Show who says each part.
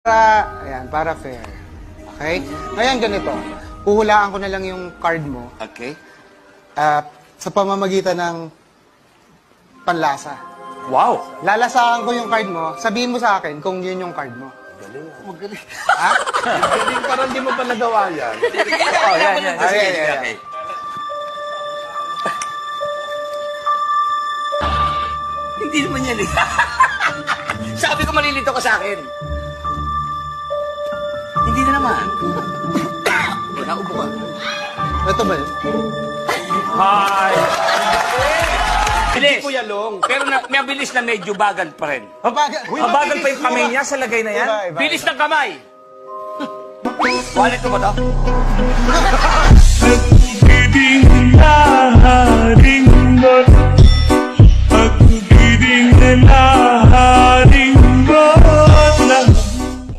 Speaker 1: Para fair. Okay? Ngayon ganito. Puhulaan ko na lang yung card mo
Speaker 2: Okay.
Speaker 1: sa pamamagitan ng panlasa.
Speaker 2: Wow.
Speaker 1: Lalasahan ko yung card mo, sabihin mo sa akin kung yun yung card mo.
Speaker 2: Magaling.
Speaker 1: Ha?
Speaker 3: Hindi, parang di mo pa nagawa yan.
Speaker 2: Oh, yan.
Speaker 1: Okay.
Speaker 2: Hindi naman yan eh. Sabi ko malilito ka sa akin. Hindi na naman. Naubo ka.
Speaker 1: Ito ba yun?
Speaker 3: Hi!
Speaker 2: Bilis.
Speaker 3: Kuya Long.
Speaker 2: Pero may bilis na medyo bagal pa rin.
Speaker 4: Mabagal pa yung kamay niya sa lagay na yan?
Speaker 1: Iba.
Speaker 2: Bilis ng kamay. Wallet mo ba to?
Speaker 5: Pag-ibig na haring mo, pag-ibig na